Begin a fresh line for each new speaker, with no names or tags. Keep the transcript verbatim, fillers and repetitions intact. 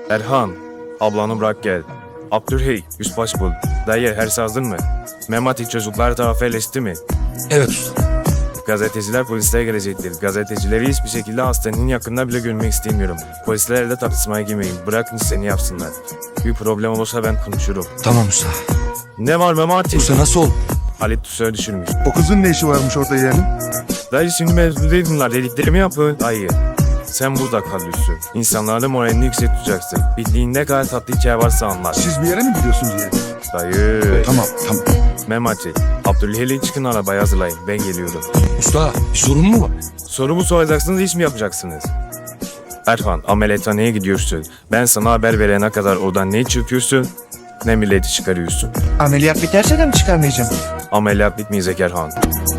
Erhan, ablanı bırak gel. Abdülhey, üst baş bul. Dayı, her şey hazır mı? Memati çocuklar tarafı eleşti mi?
Evet usta.
Gazeteciler polislere gelecektir. Gazetecileri hiçbir şekilde hastanın yakında bile görmek istemiyorum. Polislerle tartışmaya girmeyin. Bırakın seni yapsınlar. Bir problem olursa ben konuşurum.
Tamam usta.
Ne var Memati?
Usta nasıl oldu?
Halit Tüsör'ü düşürmüş.
O kızın ne işi varmış orada yeğenim?
Dayı şimdi mevzu değil bunlar. Dediklerimi yapın. Dayı. Sen burada kal Hüsnü. İnsanların moralini yüksek tutacaksın. Bildiğin ne kadar tatlı hikaye varsa anlat.
Siz bir yere mi gidiyorsunuz yeğenim?
Dayı.
Tamam tamam.
Memati. Abdülhey'le çıkın arabayı hazırlayın. Ben geliyorum.
Usta bir sorun mu var?
Sorumu soracaksınız, iş mi yapacaksınız? Erhan, ameliyathaneye gidiyorsun. Ben sana haber verene kadar oradan ne çırpıyorsun, ne milleti çıkarıyorsun.
Ameliyat biterse de mi çıkarmayacağım?
Ameliyat bitmeyecek Erhan.